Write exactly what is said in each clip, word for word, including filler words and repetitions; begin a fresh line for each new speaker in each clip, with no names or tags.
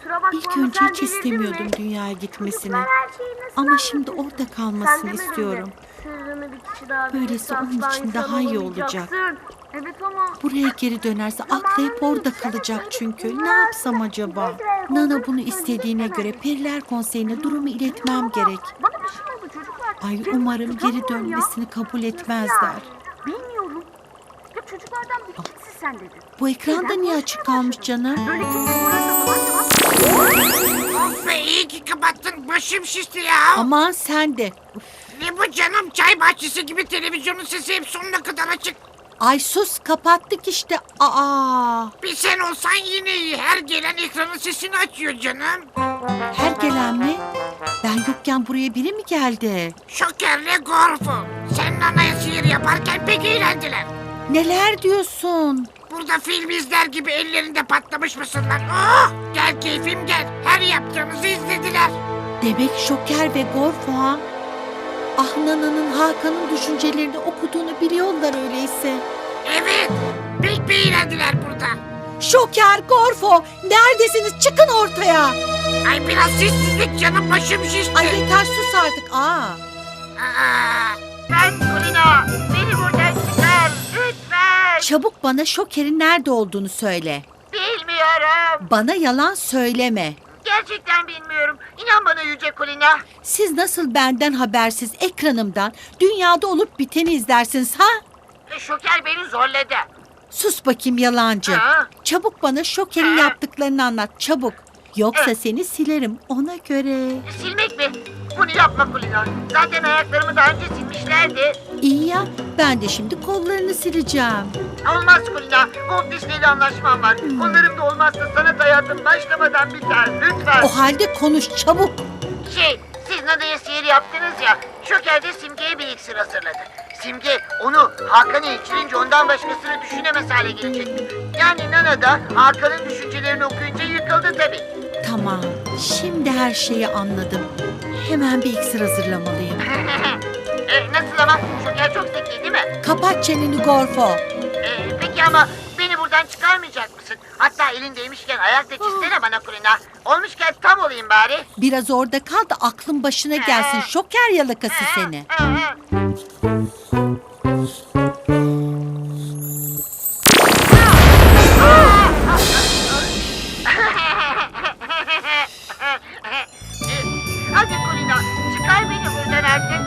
kusura bakma
İlk
ama
önce
sen
hiç
delirdin
istemiyordum
mi?
dünyaya gitmesini.
Çocuklar her şeyi nasıl
Ama şimdi
anlatıyor?
orada
Sen
kalmasını
demedin mi?
istiyorum.
Sırrını bir kişi daha
Böylesi
bilirse
onun
asla
için
insan
daha iyi olacak.
olamayacaksın. Evet ama
Buraya geri dönerse aklı hep orada kalacak çünkü. Ne yapsam acaba? Nana bunu istediğine göre Periler Konseyi'ne durumu iletmem gerek.
bana bir şey oldu çocuklar.
Ay
Benim
umarım geri
tutamıyorum ya.
dönmesini kabul
Nasıl
etmezler.
yani? Bilmiyorum. Ya çocuklardan bir gitsin sen dedin.
Bu ekranda
Birden
niye
konuşmaya
açık kalmış
başladım.
canım?
Böyle kimse sorarsa falan cevap.
Of be, iyi ki kapattın. Başım şişti ya.
Aman sen de.
Ne bu canım? Çay bahçesi gibi televizyonun sesi hep sonuna kadar açık.
Ay sus, kapattık işte. Aa.
Bir sen olsan yine iyi. Her gelen ekranın sesini açıyor canım.
Her gelen mi? Ben yokken buraya biri mi geldi?
Şokerle Gorfo. Sen Nana'ya sihir yaparken pek eğlendiler.
Neler diyorsun?
Burada film izler gibi ellerinde patlamış mısırlar. Oh! Gel keyfim gel. Her yaptığınızı izlediler.
Demek Şoker ve Gorfo ha? Ah, Nana'nın Hakan'ın düşüncelerini okuduğunu biliyorlar öyleyse.
Evet. Pek bir eğlendiler burada.
Şoker, Gorfo, neredesiniz? Çıkın ortaya.
Ay biraz sessizlik canım, başım şişti.
Ay yeter, sus artık. Aa.
Aa, ben Kulina. Beni buradan çıkar. Lütfen.
Çabuk bana Şoker'in nerede olduğunu söyle.
Bilmiyorum.
Bana yalan söyleme.
Gerçekten bilmiyorum. İnan bana Yüce Kulina.
Siz nasıl benden habersiz ekranımdan dünyada olup biteni izlersiniz ha?
Şoker beni zorladı.
Sus bakayım yalancı.
Ha?
Çabuk bana Şoker'in
Ha?
yaptıklarını anlat, çabuk. Yoksa
Ha?
seni silerim ona göre.
Silmek mi? Bunu yapma Kulina. Zaten ayaklarımı daha önce silmişlerdi.
İyi ya, ben de şimdi kollarını sileceğim.
Olmaz Kulina. Walt Disney'le anlaşmam var. Onların da olmazsa sanat hayatım başlamadan biter. Lütfen.
O halde konuş çabuk.
Şey, siz Nana'ya sihir yaptınız ya. Şoker de Simge'ye bir iksir hazırladı. Simge onu Hakan'a içirince ondan başkasını düşünemez hale gelecekti. Yani Nana da Hakan'ın düşüncelerini okuyunca yıkıldı tabii.
Tamam, şimdi her şeyi anladım. Hemen bir iksir hazırlamalıyım.
e, nasıl ama? Şoker çok zeki değil mi?
Kapat çeneni Gorfo.
E, peki ama beni buradan çıkarmayacak mısın? Hatta elindeymişken ayakta çizsene bana Kulina. Olmuşken tam olayım bari.
Biraz orada kal da aklın başına gelsin. Şoker yalakası seni.
Hadi Kulina, çıkar beni buradan artık.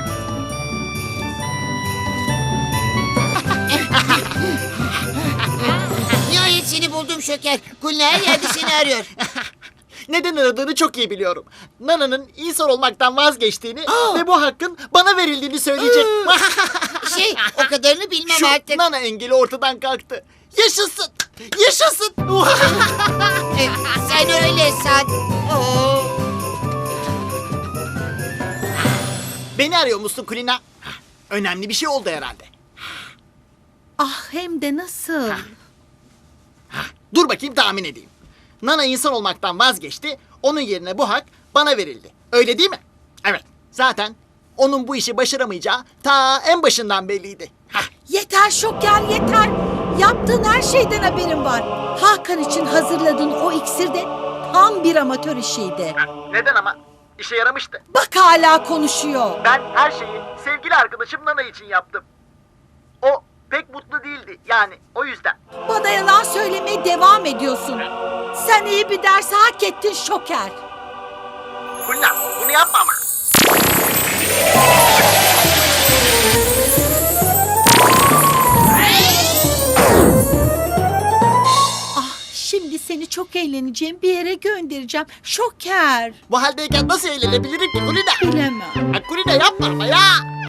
Nihayet seni buldum Şoker. Kulina her yerde seni arıyor.
Neden aradığını çok iyi biliyorum. Nana'nın insan olmaktan vazgeçtiğini ve bu hakkın bana verildiğini söyleyecek.
Şey, o kadarını bilmem
Şu
artık.
Nana engeli ortadan kalktı. Yaşasın! Yaşasın!
E, sen öyle san. Oo.
Beni arıyor musun Kulina? Önemli bir şey oldu herhalde.
Ah, hem de nasıl?
Dur bakayım tahmin edeyim. Nana insan olmaktan vazgeçti. Onun yerine bu hak bana verildi. Öyle değil mi? Evet. Zaten onun bu işi başaramayacağı ta en başından belliydi. Hah.
Yeter Şoker, yeter. Yaptığın her şeyden haberim var. Hakan için hazırladığın o iksir de tam bir amatör işiydi.
Neden ama? İşe yaramıştı.
Bak hala konuşuyor.
Ben her şeyi sevgili arkadaşım Nana için yaptım. O pek mutlu değildi yani o yüzden.
Bana yalan söylemeye devam ediyorsun. Sen iyi bir ders hak ettin Şoker.
Kulina bunu yapma ama.
Ah, şimdi seni çok eğleneceğim bir yere göndereceğim. Şoker.
Bu haldeyken nasıl eğlenebilirim ki Kulina?
Bilemem.
Ha, Kulina yapma ama ya.